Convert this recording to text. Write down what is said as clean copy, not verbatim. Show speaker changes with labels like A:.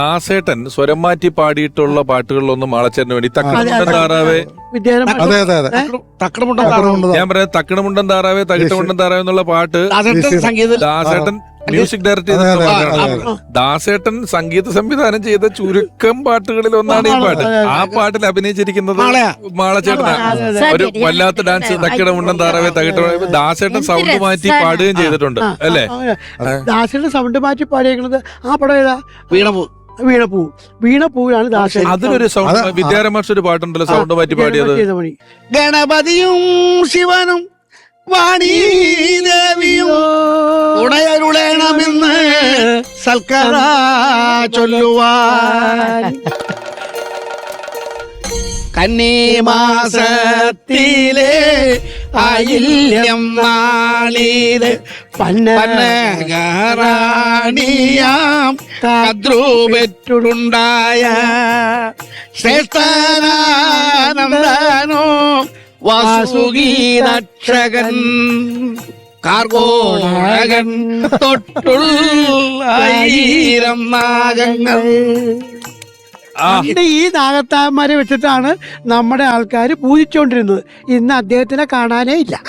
A: ദാസേട്ടൻ സ്വരം മാറ്റി പാടിയിട്ടുള്ള പാട്ടുകളിലൊന്നും മാളച്ചേട്ടന് വേണ്ടി തക്കണമുണ്ടൻ താറാവേ, ഞാൻ പറയാം തക്കണമുണ്ടൻ താറാവേ തകിട്ടമുണ്ടൻ താറാവേ എന്നുള്ള പാട്ട് ദാസേട്ടൻ മ്യൂസിക് ഡയറക്ടർ ചെയ്തിട്ടുള്ള ദാസേട്ടൻ സംഗീത സംവിധാനം ചെയ്ത ചുരുക്കം പാട്ടുകളിൽ ഒന്നാണ് ഈ പാട്ട്. ആ പാട്ടിൽ അഭിനയിച്ചിരിക്കുന്നത് മാളച്ചേട്ടനാണ്. ഒരു വല്ലാത്ത ഡാൻസ് തക്കിടമുണ്ടൻ താറാവേ തകിട്ട ദാസേട്ടൻ സൗണ്ട് മാറ്റി പാടുകയും ചെയ്തിട്ടുണ്ട് അല്ലേ?
B: ദാസേട്ടൻ സൗണ്ട് മാറ്റി പാടിയേക്കുന്നത് ആ പടം ഏതാ? വീണപ്പൂവിലാണ് ദാസേട്ടൻ.
A: അതിലൊരു സൗണ്ട് വിദ്യാരമാഷ് ഒരു പാട്ടുണ്ടല്ലോ സൗണ്ട് മാറ്റി പാടിയത്.
C: ഗണപതിയും ശിവനും വാണീദേവിയും ഉടയരുളേണമെന്ന് സൽക്കര ചൊല്ലുവാൻ കന്നിമാസത്തിലെ ആയില്യം നാളില് പന്നകറാണിയാം കദ്രൂപെറ്റുണ്ടായ ശ്രേഷ്ഠനാനന്ദനോ വാസുകീനക്ഷകൻ കാർഗോളകൻ തൊട്ടുള്ളായിരം നാഗങ്ങൾ.
B: ഈ നാഗത്താന്മാരെ വെച്ചിട്ടാണ് നമ്മുടെ ആൾക്കാർ പൂജിച്ചുകൊണ്ടിരുന്നത്. ഇന്ന് അദ്ദേഹത്തിനെ കാണാനേ ഇല്ല.